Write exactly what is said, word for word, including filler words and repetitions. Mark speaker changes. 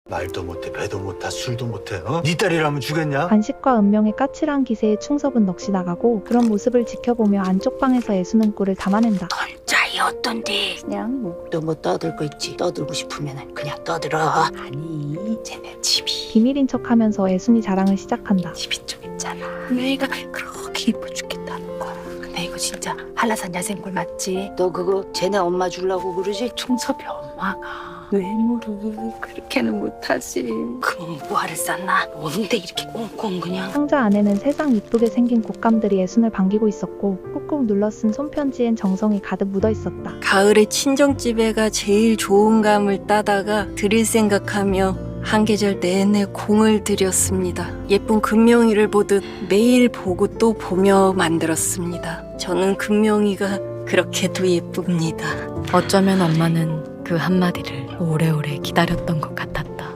Speaker 1: 말도 못해, 배도 못하, 술도 못해. 어? 네 딸이라면 주겠냐?
Speaker 2: 관식과 은명의 까칠한 기세에 충섭은 넋이 나가고 그런 모습을 지켜보며 안쪽 방에서 애수는 꿀을 담아낸다.
Speaker 3: 짜이 어떤데? 그냥 목도 뭐 떠들고 있지. 떠들고 싶으면 그냥 떠들어. 아니 쟤네 집이
Speaker 2: 비밀인 척하면서 애순이 자랑을 시작한다.
Speaker 3: 집이 좀 있잖아. 내가 그렇게 이뻐 죽겠다는 거야. 근데 이거 진짜 한라산 야생골 맞지? 너 그거 쟤네 엄마 주려고 그러지? 충섭이 엄마가 외모를 그렇게는 못하지. 그럼 뭐하를 쌌나? 뭔데 이렇게 꽁꽁 그냥.
Speaker 2: 상자 안에는 세상 이쁘게 생긴 곶감들이 애순을 반기고 있었고 꾹꾹 눌러 쓴 손편지엔 정성이 가득 묻어 있었다.
Speaker 4: 가을에 친정집에가 제일 좋은 감을 따다가 드릴 생각하며 한 계절 내내 공을 들였습니다. 예쁜 금명이를 보듯 매일 보고 또 보며 만들었습니다. 저는 금명이가 그렇게도 예쁩니다. 어쩌면 엄마는 그 한마디를 오래오래 기다렸던 것 같아요.